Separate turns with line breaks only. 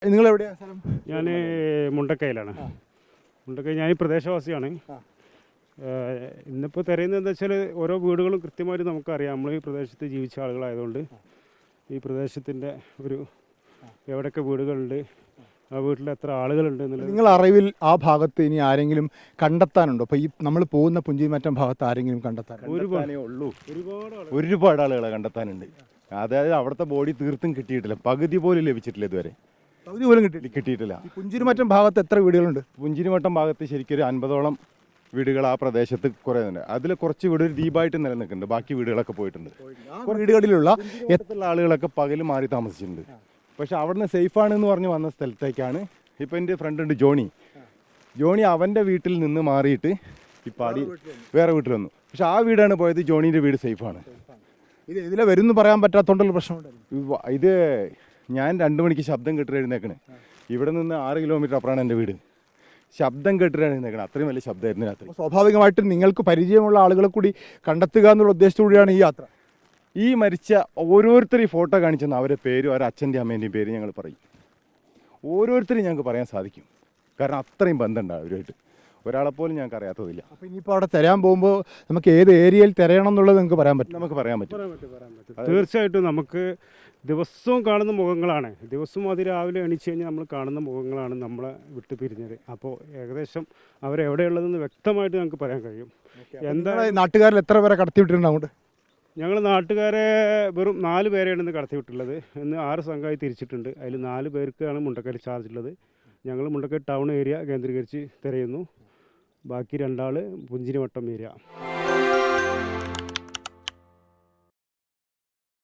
നിങ്ങൾ എവിടെയാണ് സ്ഥലം?
ഞാൻ മുണ്ടക്കയിലാണ്. മുണ്ടക്കൈ ഞാൻ ഈ പ്രദേശവാസിയാണ്. ഇന്നിപ്പോൾ തിരയുന്നത് എന്താ വെച്ചാൽ ഓരോ വീടുകളും കൃത്യമായിട്ട് നമുക്കറിയാം. നമ്മൾ ഈ പ്രദേശത്ത് ജീവിച്ച ആളുകളായതുകൊണ്ട് ഈ പ്രദേശത്തിൻ്റെ ഒരു എവിടെയൊക്കെ വീടുകളുണ്ട്, ആ വീട്ടിൽ എത്ര ആളുകളുണ്ട് എന്നുള്ളത്.
നിങ്ങൾ അറിവിൽ ആ ഭാഗത്ത് ഇനി ആരെങ്കിലും കണ്ടെത്താനുണ്ടോ? അപ്പോൾ ഈ നമ്മൾ പോകുന്ന പുഞ്ചിരിമറ്റം ഭാഗത്ത് ആരെങ്കിലും
ഒരുപാടേ ഉള്ളൂ. ഒരുപാട് ആളുകളെ കണ്ടെത്താനുണ്ട്. അതായത് അവിടുത്തെ ബോഡി തീർത്തും കിട്ടിയിട്ടില്ല, പകുതി പോലും ലഭിച്ചിട്ടില്ല ഇതുവരെ.
പകുതി പോലും കിട്ടിയിട്ടില്ല. പുഞ്ചിരിമറ്റം ഭാഗത്ത് എത്ര വീടുകളുണ്ട്?
പുഞ്ചിരിമട്ടം ഭാഗത്ത് ശരിക്കും ഒരു 50ഓളം വീടുകൾ ആ പ്രദേശത്ത് കുറേ ഉണ്ട്. അതിൽ കുറച്ച് വീട് ദ്വീപായിട്ട് നിലനിൽക്കുന്നുണ്ട്, ബാക്കി വീടുകളൊക്കെ പോയിട്ടുണ്ട്.
വീടുകളിലുള്ള
എത്തുള്ള ആളുകളൊക്കെ പകൽ മാറി താമസിച്ചിട്ടുണ്ട്. പക്ഷെ അവിടുന്ന് സേഫാണെന്ന് പറഞ്ഞ് വന്ന സ്ഥലത്തേക്കാണ് ഇപ്പോൾ എൻ്റെ ഫ്രണ്ട് ഉണ്ട് ജോണി അവൻ്റെ വീട്ടിൽ നിന്ന് മാറിയിട്ട് ഇപ്പം വേറെ വീട്ടിൽ വന്നു. പക്ഷെ ആ വീടാണ് പോയത്, ജോണീൻ്റെ വീട് സേഫാണ്.
ഇതിലെ വരുന്നു പറയാൻ പറ്റാത്തോണ്ടുള്ള പ്രശ്നമുണ്ട്.
ഇത് ഞാൻ 2 മണിക്ക് ശബ്ദം കേട്ടിട്ട് എഴുന്നേക്കണ്. ഇവിടെ നിന്ന് 6 കിലോമീറ്റർ അപ്പുറമാണ് എൻ്റെ വീട്. ശബ്ദം കേട്ടിട്ട് എഴുന്നേക്കണം, അത്രയും വലിയ ശബ്ദമായിരുന്നു രാത്രി.
സ്വാഭാവികമായിട്ടും നിങ്ങൾക്ക് പരിചയമുള്ള ആളുകളെ കൂടി കണ്ടെത്തുക എന്നുള്ള ഉദ്ദേശത്തോടെയാണ് ഈ യാത്ര.
ഈ മരിച്ച ഓരോരുത്തരും ഈ ഫോട്ടോ കാണിച്ചെന്ന് അവരുടെ പേരും അവരുടെ അച്ഛൻ്റെയും അമ്മേൻ്റെയും പേര് ഞങ്ങൾ പറയും. ഓരോരുത്തരും ഞങ്ങൾക്ക് പറയാൻ സാധിക്കും, കാരണം അത്രയും ബന്ധമുണ്ട് അവരുമായിട്ട്. ഒരാളെപ്പോലും ഞങ്ങൾക്ക് അറിയാത്തതില്ല.
അപ്പോൾ ഇനിയിപ്പോൾ അവിടെ തിരയാൻ പോകുമ്പോൾ നമുക്ക് ഏത് ഏരിയയിൽ തിരയണം എന്നുള്ളത് നിങ്ങൾക്ക് പറയാൻ പറ്റും?
നമുക്ക് പറയാൻ പറ്റും.
തീർച്ചയായിട്ടും നമുക്ക് ദിവസവും കാണുന്ന മുഖങ്ങളാണ്. ദിവസവും അതിരാവിലെ എണീച്ച് കഴിഞ്ഞാൽ നമ്മൾ കാണുന്ന മുഖങ്ങളാണ് നമ്മളെ വിട്ട് പിരിഞ്ഞത്. അപ്പോൾ ഏകദേശം അവരെവിടെയുള്ളതെന്ന് വ്യക്തമായിട്ട് ഞങ്ങൾക്ക് പറയാൻ കഴിയും.
എന്താ നാട്ടുകാരിൽ എത്ര പേരെ കടത്തിവിട്ടിട്ടുണ്ട് അങ്ങോട്ട്?
ഞങ്ങൾ നാട്ടുകാരെ വെറും 4 പേരെയാണ് ഇന്ന് കടത്തിവിട്ടുള്ളത്. ഇന്ന് 6 സംഘമായി തിരിച്ചിട്ടുണ്ട്. അതിൽ 4 പേർക്കാണ് മുണ്ടക്കൈ ചാർജ് ഉള്ളത്. ഞങ്ങൾ മുണ്ടക്കൈ ടൗൺ ഏരിയ കേന്ദ്രീകരിച്ച് തിരയുന്നു. ബാക്കി 2 ആൾ പുഞ്ചിരിമട്ടം ഏരിയ.